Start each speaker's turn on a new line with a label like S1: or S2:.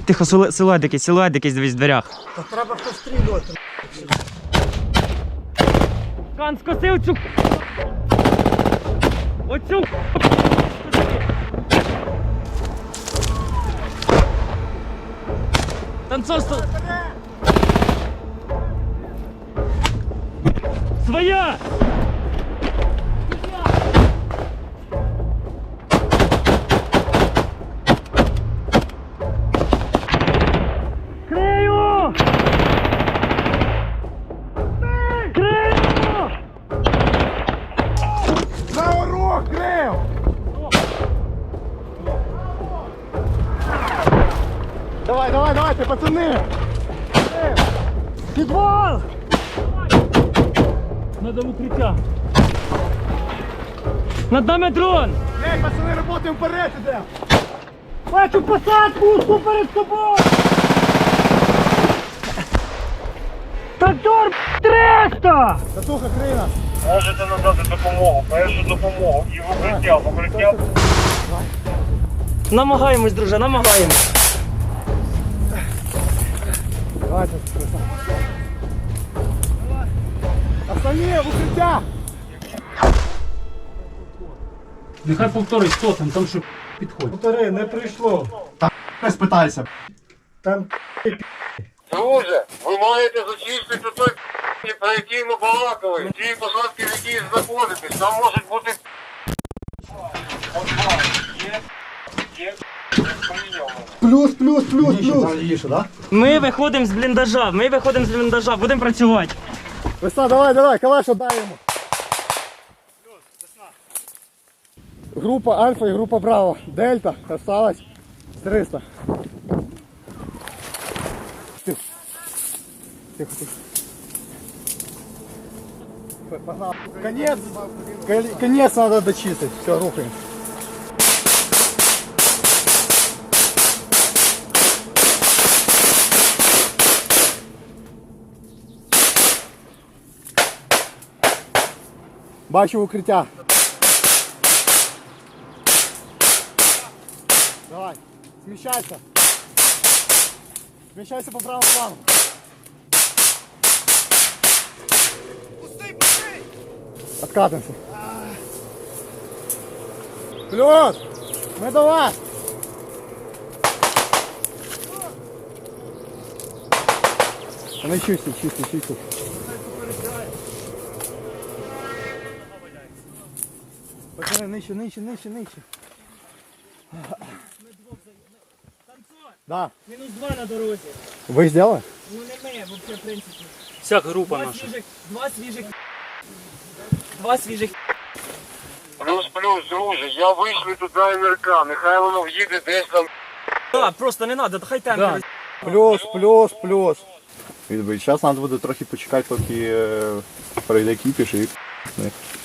S1: Тихо, силует якийсь дивись в дверях.
S2: Та треба пострілювати.
S1: Кан, скосив цю. Оцю. Танцовство. Своя! Крию! Крию!
S2: На урок, крив! Давайте, пацани! Підвал!
S1: Надо в укриття. Над нами дрон!
S2: Ей, пацани, работаємо вперед іде! Бачу посадку, узку перед тобою! Трактор 300! Татуха, крина!
S3: Можете надати допомогу, першу допомогу і в укриття.
S1: Намагаємось, друже, намагаємось.
S2: Давайте, Останні, в укриття!
S4: Нехай повторить, хто там що підходить.
S2: Повтори, не прийшло.
S5: Не спитайся.
S2: Там
S3: Друже, ви маєте зачистити той про який ми балакали. Ті посадки, в якій знаходитесь, там можуть бути... Є.
S2: плюс.
S5: Їше, да?
S1: Ми виходимо з бліндажа, будемо працювати.
S2: Весна, давай, калаш отдай йому. Група Альфа і група Браво. Дельта осталось 300. Тихо. Погнал. Конец надо дочистить. Все, рухаем. Бачу укриття. Давай, смещайся. Смещайся по правому плану. Откатываемся. Плюс! Мы до вас! Ну чисти. Пацаны, нижче. Да.
S1: Мінус 2 на дорозі.
S2: Вы сделали?
S1: Ну не ми, взагалі, в принципі.
S4: Вся група наша.
S1: Два свіжих.
S3: Плюс, друже, я вийшли туди МРК, нехай воно в'їде десь там.
S1: Так, просто не треба, хай темпи.
S2: Плюс.
S5: Зараз треба буде трохи почекати, поки пройде кіпіш і